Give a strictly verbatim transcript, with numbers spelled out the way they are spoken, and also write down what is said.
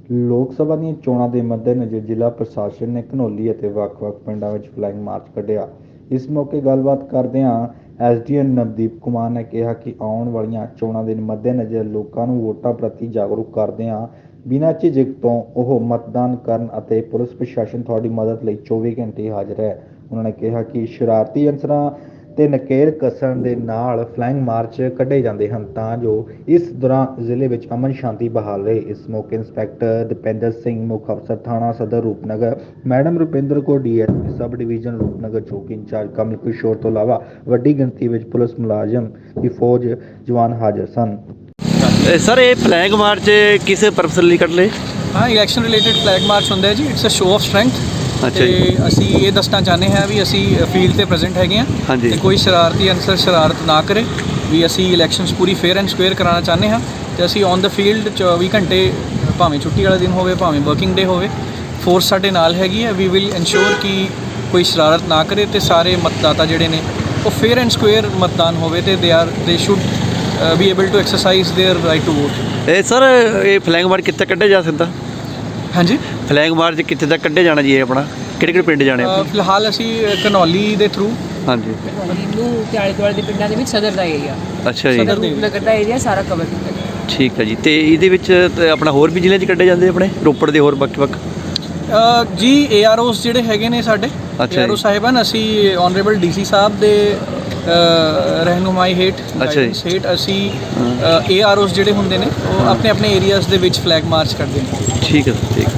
ਲੋਕ ਸਭਾ ਦੀਆਂ ਚੋਣਾਂ ਦੇ ਮੱਦੇਨਜ਼ਰ ਜ਼ਿਲ੍ਹਾ ਪ੍ਰਸ਼ਾਸਨ ਨੇ ਘਨੌਲੀ ਅਤੇ ਵੱਖ-ਵੱਖ ਪਿੰਡਾਂ ਵਿੱਚ ਫਲਾਇੰਗ ਮਾਰਚ ਕੱਢਿਆ। ਇਸ ਮੌਕੇ ਗੱਲਬਾਤ ਕਰਦਿਆਂ S D M Navdeep Kumar ਨੇ ਕਿਹਾ ਕਿ ਆਉਣ ਵਾਲੀਆਂ ਚੋਣਾਂ ਦੇ ਮੱਦੇਨਜ਼ਰ ਲੋਕਾਂ ਨੂੰ ਵੋਟਾਂ ਪ੍ਰਤੀ ਜਾਗਰੂਕ ਕਰਦਿਆਂ ਬਿਨਾਂ ਝਿਜਕ ਤੋਂ ਉਹ ਮਤਦਾਨ ਕਰਨ ਅਤੇ ਪੁਲਿਸ ਪ੍ਰਸ਼ਾਸਨ ਤੁਹਾਡੀ ਮਦਦ ਲਈ ਚੌਵੀ ਘੰਟੇ ਹਾਜ਼ਰ ਹੈ। ਉਹਨਾਂ ਨੇ ਕਿਹਾ ਕਿ ਸ਼ਰਾਰਤੀ ਅਨਸਰਾਂ ਤੇ ਨਕੇਲ ਕੱਸਣ ਦੇ ਨਾਲ ਫਲਾਇੰਗ ਮਾਰਚ ਕੱਢੇ ਜਾਂਦੇ ਹਨ ਤਾਂ ਜੋ ਇਸ ਦੌਰਾਨ ਜ਼ਿਲ੍ਹੇ ਵਿੱਚ ਅਮਨ ਸ਼ਾਂਤੀ ਬਹਾਲ ਰਹੇ। ਇਸ ਮੌਕੇ ਇੰਸਪੈਕਟਰ ਦੀਪਿੰਦਰ ਸਿੰਘ, ਮੁੱਖ ਅਫਸਰ ਥਾਣਾ ਸਦਰ Rupnagar, madam Rupinder Kaur D S P sub division Rupnagar ਚੌਕੀ ਇੰਚਾਰਜ ਕਮਲ ਕਿਸ਼ੋਰ ਤੋਂ ਇਲਾਵਾ ਵੱਡੀ ਗਿਣਤੀ ਵਿੱਚ ਪੁਲਿਸ ਮੁਲਾਜ਼ਮ ਦੀ ਫੌਜ ਜਵਾਨ ਹਾਜ਼ਰ ਸਨ। ਸਰ ਇਹ ਫਲੈਗ ਮਾਰਚ ਕਿਸ ਪਰਪਸ ਲਈ ਕੱਢ ਲਏ? ਹਾਂ, ਇਲੈਕਸ਼ਨ ਰਿਲੇਟਡ ਫਲੈਗ ਮਾਰਚ ਹੁੰਦਾ ਹੈ ਜੀ। It's a show of strength. ਅੱਛਾ ਤੇ ਜੀ। ਅਸੀਂ ਇਹ ਦੱਸਣਾ ਚਾਹੁੰਦੇ ਹਾਂ ਵੀ ਅਸੀਂ ਫੀਲਡ ਤੇ ਪ੍ਰੈਜ਼ੈਂਟ ਹੈਗੇ ਹਾਂ ਹਾਂਜੀ। ਤੇ ਕੋਈ ਸ਼ਰਾਰਤੀ ਅਨਸਰ ਸ਼ਰਾਰਤ ਨਾ ਕਰੇ ਵੀ ਅਸੀਂ ਇਲੈਕਸ਼ਨਸ ਪੂਰੀ ਫੇਅਰ ਐਂਡ ਸਕੁਏਅਰ ਕਰਾਉਣਾ ਚਾਹੁੰਦੇ ਹਾਂ ਤੇ ਅਸੀਂ ਔਨ ਦਾ ਫੀਲਡ ਚੌਵੀ ਘੰਟੇ, ਭਾਵੇਂ ਛੁੱਟੀ ਵਾਲਾ ਦਿਨ ਹੋਵੇ ਭਾਵੇਂ ਵਰਕਿੰਗ ਡੇ ਹੋਵੇ, ਫੋਰਸ ਸਾਡੇ ਨਾਲ ਹੈਗੀ ਹੈ। ਵੀ ਵਿਲ ਇਨਸ਼ੋਰ ਕਿ ਕੋਈ ਸ਼ਰਾਰਤ ਨਾ ਕਰੇ ਤੇ ਸਾਰੇ ਮਤਦਾਤਾ ਜਿਹੜੇ ਨੇ ਉਹ ਫੇਅਰ ਐਂਡ ਸਕੁਏਅਰ ਮਤਦਾਨ ਹੋਵੇ ਤੇ they are they should be able to exercise their right to vote. ਇਹ ਸਰ ਇਹ ਫਲੈਗ ਮਾਰਚ ਕਿੱਥੇ ਕੱਢਿਆ ਜਾ ਸਕਦਾ? ਹਾਂਜੀ, ਫਲੈਗ ਮਾਰਚ ਕਿੱਥੇ ਤੱਕ ਕੱਢਿਆ ਜਾਣਾ ਜੀ? ਇਹ ਆਪਣਾ ਕਿਹੜੇ ਕਿਹੜੇ ਪਿੰਡ ਜਾਣੇ ਅ, ਫਿਲਹਾਲ ਅਸੀਂ ਘਨੌਲੀ ਦੇ ਥਰੂ ਹਾਂਜੀ। ਨੂੰ ਤੇ ਆਲੇ ਦੁਆਲੇ ਦੇ ਪਿੰਡਾਂ ਦੇ ਵਿੱਚ ਸਦਰ ਦਾ ਏਰੀਆ, ਅੱਛਾ ਜੀ, ਸਦਰ ਦੇ ਰੂਪਨਗਰ ਦਾ ਏਰੀਆ ਸਾਰਾ ਕਵਰ ਕੀਤਾ ਗਿਆ। ਠੀਕ ਹੈ ਜੀ। ਤੇ ਇਹਦੇ ਵਿੱਚ ਤੇ ਆਪਣਾ ਹੋਰ ਵੀ ਜ਼ਿਲ੍ਹਿਆਂ 'ਚ ਕੱਢੇ ਜਾਂਦੇ ਆਪਣੇ ਰੋਪੜ ਦੇ ਹੋਰ ਵੱਖ ਵੱਖ? ਅ, ਜੀ ਏ ਆਰ ਓਸ ਜਿਹੜੇ ਹੈਗੇ ਨੇ ਸਾਡੇ ਅੱਛਾ ਏ ਆਰ ਓ ਜੀ। ਸਾਹਿਬਾਨ, ਅਸੀਂ ਔਨਰੇਬਲ ਡੀ ਸੀ ਸਾਹਿਬ ਦੇ ਅ, ਰਹਿਨੁਮਾਈ ਹੇਠ ਅੱਛਾ ਜੀ। guidance ਹੇਠ ਅਸੀਂ ਏ ਆਰ ਓਸ ਜਿਹੜੇ ਹੁੰਦੇ ਨੇ ਉਹ ਆਪਣੇ ਆਪਣੇ ਏਰੀਆਜ਼ ਦੇ ਵਿੱਚ ਫਲੈਗ ਮਾਰਚ ਕਰਦੇ ਨੇ। ਠੀਕ ਹੈ ਸਰ, ਠੀਕ।